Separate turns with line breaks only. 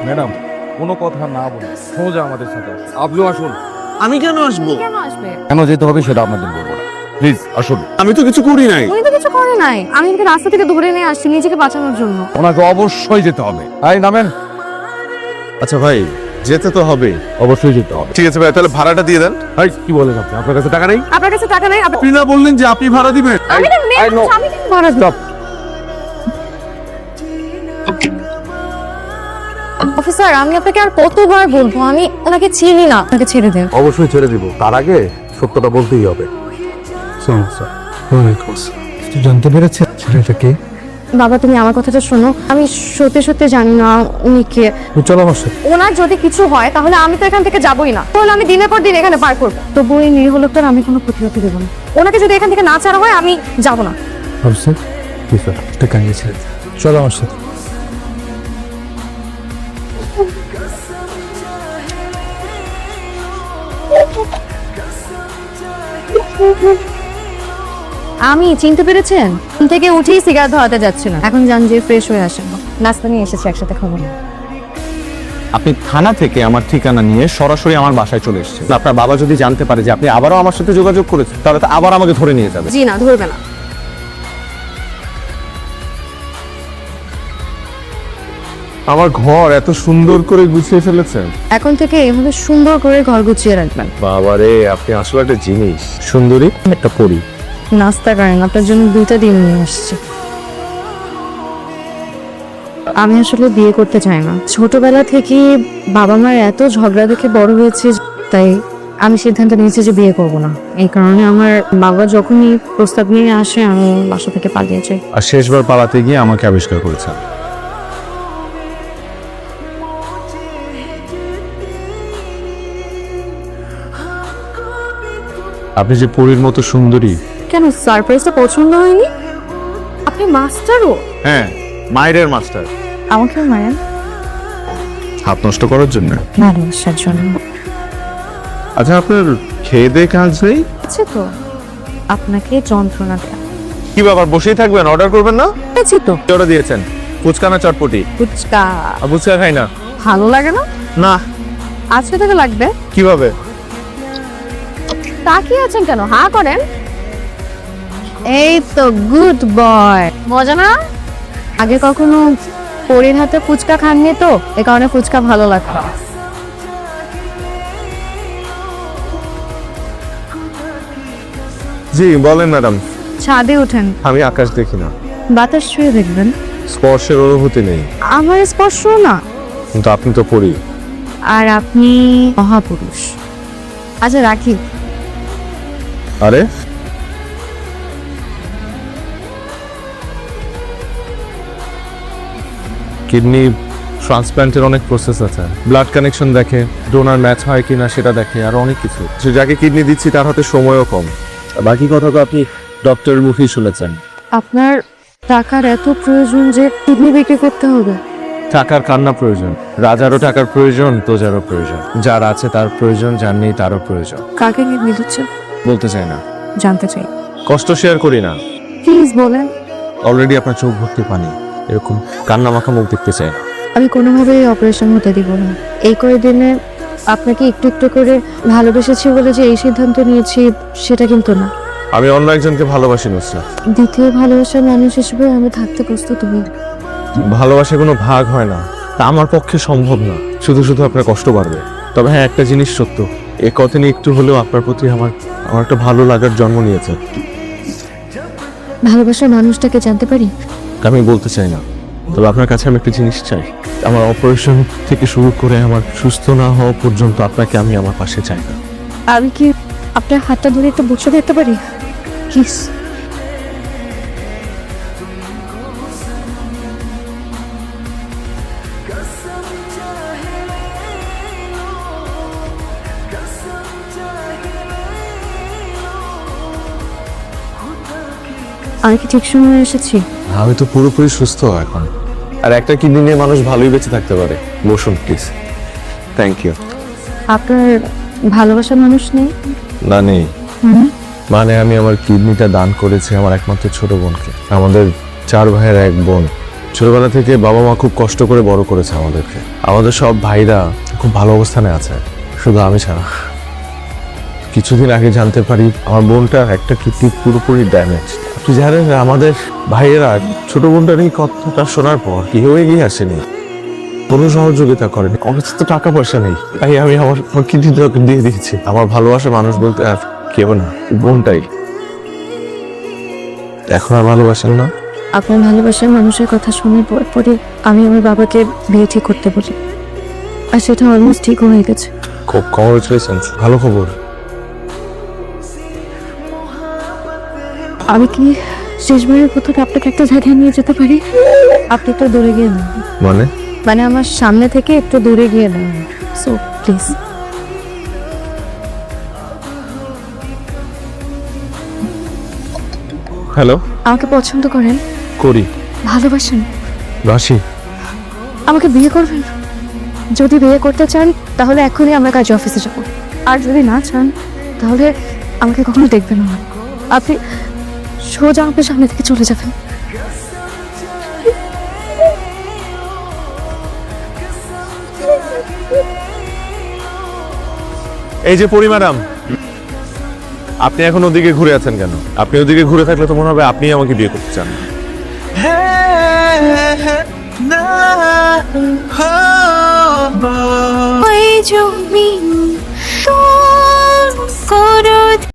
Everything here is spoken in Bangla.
ম্যাডাম কোনো কথা না বলে সোজা আমাদের সাথে আসুন। আপনিও আসুন।
আমি কেন আসবো?
কেন আসবে?
কেন যেতে হবে সেটা আপনাদের বলবো না, প্লিজ আসুন।
আমি তো কিছু করি নাই।
উনি তো কিছু করে নাই, আমি ওকে রাস্তা থেকে ধরে নিয়ে আসছি নিজেকে বাঁচানোর জন্য।
ওনাকে অবশ্যই যেতে হবে। এই নামেন।
আচ্ছা ভাই, যেতে তো হবে।
অবশ্যই যেতে হবে।
ঠিক আছে ভাই, তাহলে ভাড়াটা দিয়ে দেন।
এই কি বলেন আপনি? আপনার কাছে টাকা নেই?
আপনার কাছে টাকা নেই?
আপনি না বললেন যে আপনি ভাড়া দিবেন?
আমি তো মেয়ে
I know.
মানুষ, আমি কেন ভাড়া দেব?
Stop.
অফিসার, আমি আপনাকে আর কতবার বলবো, আমি ওনাকে চিনি না, ওনাকে ছেড়ে দেন।
অবশ্যই ছেড়ে দিব। তার আগে সত্যটা বলতেই হবে।
জানতে পেরেছে ছেলেটা কে?
বাবা, তুমি আমার কথাটা শোনো। আমি সত্যি সত্যি জানি না উনি কে।
চলো আমার সাথে।
ওনার যদি কিছু হয় তাহলে আমি তো এখান থেকে যাবোই না, তাহলে আমি দিনের পর দিন এখানে পার করবো। তবু এই নিরীহ লোকটার আমি কোনো ক্ষতি দেবো না। ওনাকে যদি এখান থেকে না ছাড়া হয় আমি যাবো না।
অফিসার কি স্যার, টাকা নিয়েছে। চলো আমার সাথে।
আমি চিনতে পেরেছেন? ঘুম থেকে উঠেই সিগারেট ধরাতে যাচ্ছিলাম, এখন যান যে ফ্রেশ হয়ে আসেন, নাস্তা নিয়ে এসেছি, একসাথে খাবো।
আপনি থানা থেকে আমার ঠিকানা নিয়ে সরাসরি আমার বাসায় চলে এসেছেন। আপনার বাবা যদি জানতে পারে যে আপনি আবারও আমার সাথে যোগাযোগ করেছেন, তাহলে তো আবার আমাকে ধরে নিয়ে যাবে।
জি না, ধরবে না।
আমার ঘর এত সুন্দর করে গুছিয়ে ফেলেছেন।
এখন থেকে এভাবে সুন্দর করে ঘর গুছিয়ে রাখবেন।
বাবারে, আপনি আসলে একটা জিনিস। সুন্দরী একটা পরী।
নাস্তা করেন, আপনার জন্য 2টা ডিম নিয়ে আসছি। আমি আসলে বিয়ে করতে চাই না। ছোটবেলা থেকে বাবা মার এত ঝগড়া দেখে বড় হয়েছে, তাই আমি সিদ্ধান্ত নিয়েছি যে বিয়ে করব না। এই কারণে আমার বাবা যখনই প্রস্তাব নিয়ে আসে আমি বাসা থেকে পালিয়ে যাই।
আর শেষবার পালাতে গিয়ে আমাকে আবিষ্কার করেছেন। আপনি যে পরীর মতো সুন্দরী।
কেন, সারপ্রাইজটা পছন্দ হয়নি? আপনি মাস্টারও?
হ্যাঁ, মায়ের মাস্টার।
আমাকে মারেন?
হাত নষ্ট করার জন্য?
ভালোবাসার জন্য।
আচ্ছা, আপনার খেয়ে দিয়ে কাজ নেই?
আছে তো, আপনাকে যন্ত্রণা দেয়া।
কি ব্যাপার, বসেই থাকবেন? অর্ডার করবেন না?
আছে তো।
কি অর্ডার দিয়েছেন? ফুচকা না চটপটি?
ফুচকা।
ফুচকা খাই না।
ভালো লাগে না?
না।
আজকে থেকে লাগবে।
কিভাবে?
তাকিয়ে আছেন কেন, হা করেন। এই তো গুড বয়। মজা না? আগে কখনো পরীর হাতে ফুচকা খাননি তো, এ কারণে ফুচকা ভালো লাগতো।
জি বলেন ম্যাডাম।
ছাদে ওঠেন,
আমি আকাশ দেখি না,
বাতাস ছুঁয়ে দেখবেন।
স্পর্শের অনুভূতি নেই।
আমার স্পর্শ না।
কিন্তু আপনি তো পরী।
আর আপনি মহাপুরুষ। আচ্ছা রাখি।
আরে কিডনি ট্রান্সপ্ল্যান্টের অনেক প্রসেস আছে। ব্লাড কানেকশন দেখে, ডোনার ম্যাচ হয় কিনা সেটা দেখে, আর অনেক কিছু। সে যাকে কিডনি দিচ্ছি তার হাতে সময়ও কম।
বাকি কথা তো আপনি ডক্টরের মুখেই শুনেছেন।
আপনার টাকার এত প্রয়োজন যে কিডনি বিক্রি করতে হবে?
টাকার কান্না প্রয়োজন। রাজারও টাকার প্রয়োজন, প্রজারও প্রয়োজন। যার আছে তার প্রয়োজন, যার নেই তারও প্রয়োজন।
কাকে কিডনি দিচ্ছেন?
বলতে চাই না।
জানতে চাই।
কষ্ট শেয়ার করি না।
প্লিজ বলেন।
অলরেডি আপনার চোখ ভর্তি পানি, এরকম কান্না মাখা মুখ দেখতে চাই না।
আমি কোনোভাবেই অপারেশন হতে দিব না। এই কয়েকদিনে আপনাকে একটু একটু করে ভালোবেসেছি বলে যে এই সিদ্ধান্ত নিয়েছি সেটা কিন্তু না।
আমি অন্য একজনকে ভালোবাসি নুসরাত।
দ্বিতীয় ভালোবাসার মানুষ হিসেবে আমি থাকতে প্রস্তুত হই।
ভালোবাসা কোনো ভাগ হয় না, তা আমার পক্ষে সম্ভব না। শুধু শুধু আপনার কষ্ট বাড়বে। তবে হ্যাঁ, একটা জিনিস সত্য, এ কথা নিয়ে একটু হলেও আপনার প্রতি আমার একটা ভালো লাগার জন্ম নিয়েছে।
ভালোবাসার মানুষটাকে জানতে পারি?
আমি বলতে চাই না, তবে আপনার কাছে আমি একটা জিনিস চাই। আমার অপারেশন থেকে শুরু করে আমার সুস্থ না হওয়া পর্যন্ত আপনাকে আমি আমার পাশে চাই না।
আমি কি আপনার হাতটা ধরে একটা বসে দেখতে পারি প্লিজ? আমি কি ঠিক সময় এসেছি?
আমি তো পুরোপুরি সুস্থ এখন, আর একটা কিডনি নিয়ে মানুষ ভালোই বেঁচে থাকতে পারে। বসুন প্লিজ। Thank you.
আপনার ভালোবাসার মানুষ নেই?
না নেই, মানে আমি আমার কিডনিটা দান করেছি আমার একমাত্র ছোট বোনকে। আমাদের 4 ভাইয়ের 1 বোন, ছোটবেলা থেকে বাবা মা খুব কষ্ট করে বড় করেছে আমাদেরকে। আমাদের সব ভাইরা খুব ভালো অবস্থানে আছে, শুধু আমি ছাড়া। কিছুদিন আগে জানতে পারি আমার বোনটার একটা কিডনি পুরোপুরি ড্যামেজ। আপনি জানেন আমাদের ভাইয়েরা ছোট বোনটার এই কথাটা শোনার পর কেউ এগিয়ে আসেনি, কোনো সহযোগিতা করেনি। আমার কাছে তো টাকা পয়সা নেই, তাই আমি আমার কিডনিটা ওকে দিয়ে দিয়েছি। আমার ভালোবাসা মানুষ বলতে আর কেউ না, বোনটাই। এখন আর ভালোবাসেন না?
আপনার ভালোবাসার মানুষের কথা শোনার পরে আমি আমার বাবাকে বিয়ে ঠিক করতে বলি, আর সেটা অলমোস্ট ঠিক হয়ে গেছে।
খুব কংগ্রেচুলেশন, ভালো খবর।
আমি কি শেষবারের প্রথমে আপনাকে একটা জায়গায় নিয়ে যেতে পারি? আপনি একটু দূরে গিয়ে না, মানে আমার সামনে থেকে একটু দূরে গিয়ে না, সো প্লিজ।
হ্যালো,
আমাকে পছন্দ করেন?
করি।
ভালোবাসেন?
রাশি,
আমাকে বিয়ে করবেন? যদি বিয়ে করতে চান তাহলে এখনই আমরা কাজ অফিসে যাব, আর যদি না চান তাহলে আমাকে কখনো দেখবেন না। আপনি সোজা আপনার সামনে থেকে চলে যাবেন।
এই যে পরি ম্যাডাম, আপনি এখন ওদিকে ঘুরে আছেন কেন? আপনি ওদিকে ঘুরে থাকলে তো মনে হবে আপনি আমাকে বিয়ে করতে চান।
ওই